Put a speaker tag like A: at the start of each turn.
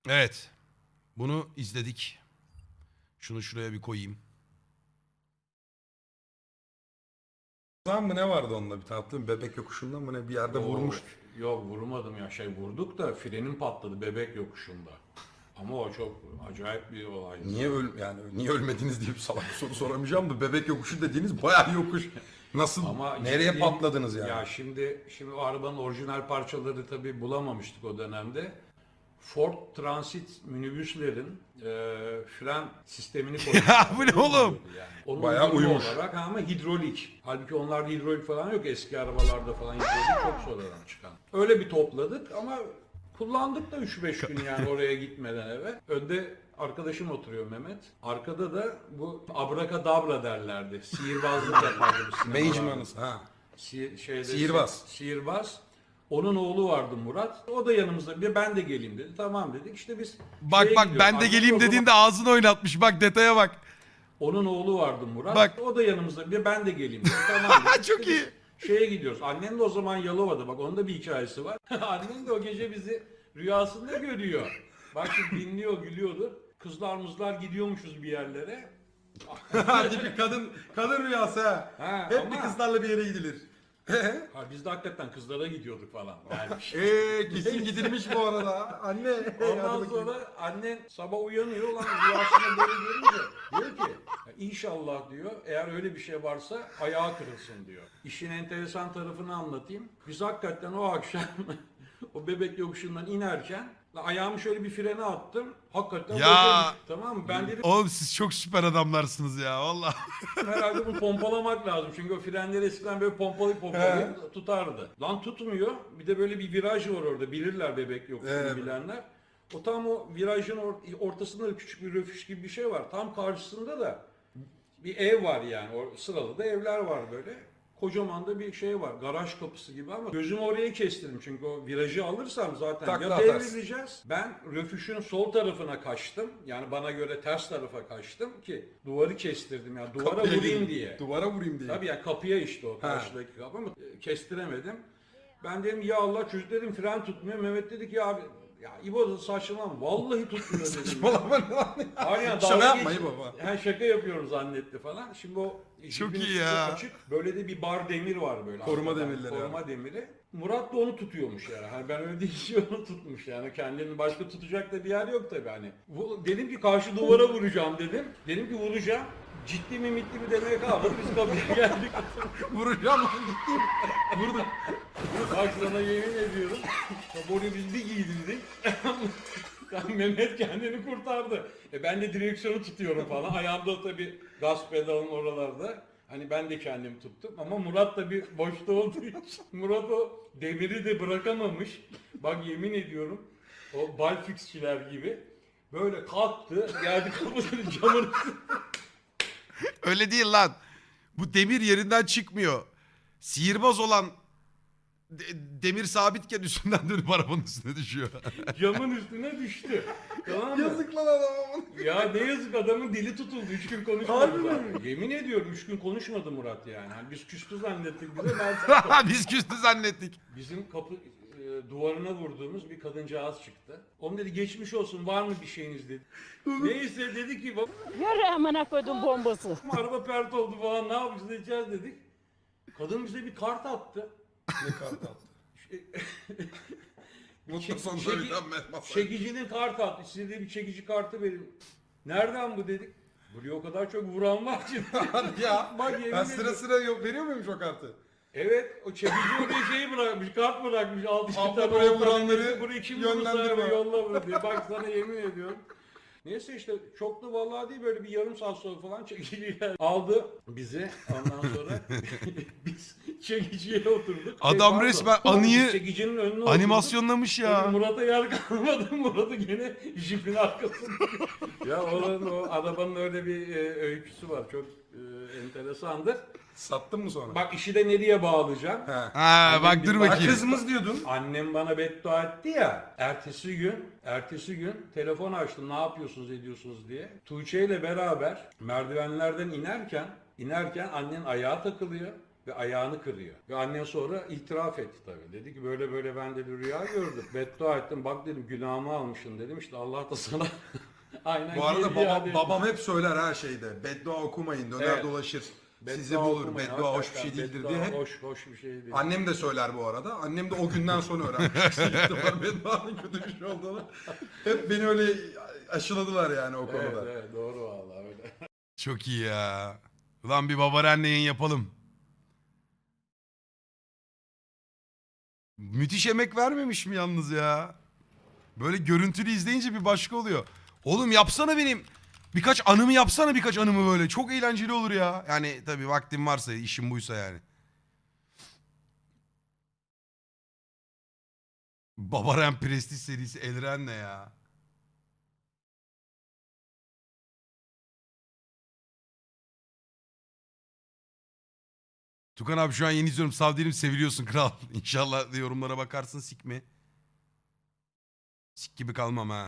A: Evet. Bunu izledik. Şunu şuraya bir koyayım.
B: Zaman mı ne vardı onunla bir tane bebek yokuşundan mı ne bir yerde vurmuş.
C: Yok vurmadım ya vurduk da frenim patladı bebek yokuşunda. Ama o çok acayip bir olaydı.
B: Niye ölmediniz diye bir salak bir soru soramayacağım da bebek yokuşu dediğiniz bayağı yokuş. Nasıl nereye
C: ciddi-
B: patladınız yani?
C: Ya şimdi o arabanın orijinal parçaları tabii bulamamıştık o dönemde. Ford Transit minibüslerin fren sistemini koymuşlar.
A: Ya bu ne oğlum?
C: Yani. Onun
B: Bayağı
C: uyumlu
B: uyumuş.
C: olarak ama hidrolik. Halbuki onlarda hidrolik falan yok. Eski arabalarda falan hidrolik çok sonradan çıkan. Öyle bir topladık ama kullandık da 3-5 gün yani oraya gitmeden eve. Önde arkadaşım oturuyor Mehmet. Arkada da bu abrakadabra derlerdi. Sihirbazlık yapardı bu sinemalarda.
B: Mage'manız ha.
C: Sihirbaz. Sihirbaz. Onun oğlu vardı Murat. O da yanımızda. Bir ben de geleyim dedi. Tamam dedik. İşte biz
A: Bak
C: şeye
A: bak
C: gidiyoruz.
A: ben de
C: Annem
A: geleyim
C: o zaman-
A: dediğinde ağzını oynatmış. Bak detaya bak.
C: Onun oğlu vardı Murat.
A: Bak.
C: O da yanımızda. Bir ben de geleyim dedi. Tamam dedik.
A: Çok
C: İşte
A: iyi.
C: biz şeye gidiyoruz. Annem de o zaman Yalova'da. Bak onun da bir hikayesi var. Annem de o gece bizi rüyasında görüyor. Bak şimdi dinliyor, gülüyordu. Kızlar mızlar gidiyormuşuz bir yerlere.
B: Hadi bir kadın rüyası ha.
C: Ha,
B: Hep
C: ama-
B: bir kızlarla bir yere gidilir.
C: Ha, biz de hakikaten kızlara gidiyorduk falan. Yani
B: Kesin gidilmiş bu arada. Anne.
C: Ondan sonra annen sabah uyanıyor ulan rüyasında böyle görünce diyor ki "Ya İnşallah diyor eğer öyle bir şey varsa ayağı kırılsın diyor. İşin enteresan tarafını anlatayım. Biz hakikaten o akşam o bebek yokuşundan inerken ayağımı şöyle bir frene attım. Hakikaten
A: Ya.
C: boşa gitti, tamam mı? Ben dedim
A: Oğlum siz çok süper adamlarsınız ya valla.
C: herhalde bunu pompalamak lazım. Çünkü o frenleri eskiden böyle pompalayıp tutardı. Lan tutmuyor. Bir de böyle bir viraj var orada. Bilirler bebek yokuşunu bilenler. O tam o virajın ortasında da küçük bir röfüş gibi bir şey var. Tam karşısında da bir ev var yani. O sıralı da evler var böyle. Kocaman da bir şey var. Garaj kapısı gibi ama gözümü oraya kestirdim. Çünkü o virajı alırsam zaten
B: Takla
C: ya
B: atarsın.
C: devrileceğiz. Ben röfüşün sol tarafına kaçtım. Yani bana göre ters tarafa kaçtım ki duvarı kestirdim. Yani duvara
B: Kapıya
C: vurayım
B: gireyim.
C: diye.
B: Duvara vurayım diye.
C: Tabii yani kapıya işte o karşıdaki kapı ama kestiremedim. Ben dedim ya Allah çocuk dedim fren tutmuyor. Mehmet dedi ki ya abi ya İbo saçmalama vallahi tutmuyor dedim.
B: Saçmalama ne lan ya?
C: Hayır ya
B: Şaka
C: dalga
B: yapma
C: geç-
B: baba.
C: Ha, şaka yapıyoruz zannetti falan. Şimdi o
A: Çok
C: jipin
A: iyi
C: üstü
A: ya.
C: açık. Böyle de bir bar demir var böyle.
B: Koruma
C: arkadan,
B: demirleri
C: Koruma demiri. Murat da onu tutuyormuş yani. Hani ben öyle deyince onu tutmuş yani. Kendini başka tutacak da bir yer yok tabii hani. Dedim ki karşı duvara vuracağım dedim. Dedim ki vuracağım. Ciddi mi mitli mi demeye kalmadı. Biz kapıya geldik.
B: Vuracağım lan gittim. Vurdum.
C: Bak sana yemin ediyorum. Onu biz bir giydirdik. Mehmet kendini kurtardı. Ben de direksiyonu tutuyorum falan. Ayağımda tabii gaz pedalım oralarda. Hani ben de kendimi tuttum ama Murat da bir boşta olduğu için Murat o demiri de bırakamamış. Bak yemin ediyorum o balfixçiler gibi böyle kalktı geldi kapının camını
A: Öyle değil lan. Bu demir yerinden çıkmıyor. Sihirbaz olan demir sabitken üstünden dönüp arabanın üstüne düşüyor.
C: camın üstüne düştü. Tamam mı?
B: Yazık lan adama.
C: Ya ne yazık adamın dili tutuldu. 3 gün konuşmadı
B: Harbi mi?
C: zaten. Yemin ediyorum 3 gün konuşmadı Murat yani. Hani biz küstü zannettik bize. Ben
A: Biz küstü zannettik.
C: bizim kapı duvarına vurduğumuz bir kadıncağız çıktı. Onun dedi geçmiş olsun var mı bir şeyiniz dedi. Neyse dedi ki bak
D: Yürü amına koydum bombası.
C: araba pert oldu falan ne yapacağız edeceğiz dedik. Kadın bize bir kart attı.
B: Ne kart attı? Mutlu sonunda
C: Çeki-
B: bir tane mesaj.
C: Çekicinin kart attı. Size de bir çekici kartı verin. Nereden bu dedik. Buraya o kadar çok vuran var ki.
B: Hadi ya.
C: Bak yemin
B: Ben sıra
C: ediyorum.
B: sıra veriyor muymuş o kartı?
C: Evet, o çekici oraya şeyi bırakmış, kart bırakmış. Al işte
B: Abla
C: tabii
B: buraya
C: o
B: vuranları
C: kartı, burayı kim
B: yönlendirme.
C: vurursa yolla bunu diye. Bak sana yemin ediyorum. Neyse işte çok da vallahi değil böyle bir yarım saat sonra falan çekiciyle aldı bizi. Ondan sonra biz çekiciye oturduk.
A: Adam
C: pardon,
A: resmen
C: biz
A: anıyı
C: çekicinin önüne
A: animasyonlamış
C: oturduk.
A: ya.
C: Tabii Murat'a yer kalmadı. Murat'ı gene jipin arkasında. Ya oranın o arabanın öyle bir öyküsü var. Çok enteresandır.
B: Sattın mı sonra?
C: Bak işi de nereye bağlayacağım?
B: He.
A: Ha bak dur
B: Bana
A: bakayım.
B: kızımız diyordun.
C: Annem bana beddua etti ya. Ertesi gün telefon açtım. Ne yapıyorsunuz ediyorsunuz diye. Tuğçe ile beraber merdivenlerden inerken annen ayağa takılıyor. ve ayağını kırıyor. Ve annen sonra itiraf etti tabii. Dedi ki böyle böyle ben dedi rüya gördüm. Beddua ettim. Bak dedim günahımı almışsın dedim. İşte Allah da sana aynen
B: Bu arada
C: geldi ya dedi.
B: babam hep söyler her şeyde. Beddua okumayın, döner
C: Evet.
B: dolaşır.
C: Beddua
B: Sizi bulur.
C: okumayın,
B: Beddua hoş bir
C: hakikaten
B: şey değildir
C: beddua
B: diye hep.
C: Hoş bir şey değil.
B: Annem de söyler bu arada. Annem de o günden sonra öğrenmiş. Bedduanın kötü bir şey olduğunu. Hep beni öyle aşıladılar yani o
C: Evet,
B: konuda.
C: evet doğru vallahi öyle.
A: Çok iyi ya. Ulan bir babaanne yayın yapalım. Müthiş emek vermemiş mi yalnız ya? Böyle görüntülü izleyince bir başka oluyor. Oğlum yapsana benim. Birkaç anımı yapsana birkaç anımı böyle. Çok eğlenceli olur ya. Yani tabii vaktim varsa işim buysa yani. Babaren Prestige serisi Elren ne ya? Tukan abi şu an yeni izliyorum. Sağ değilim seviliyorsun kral. İnşallah yorumlara bakarsın sik mi? Sik gibi kalmam ha.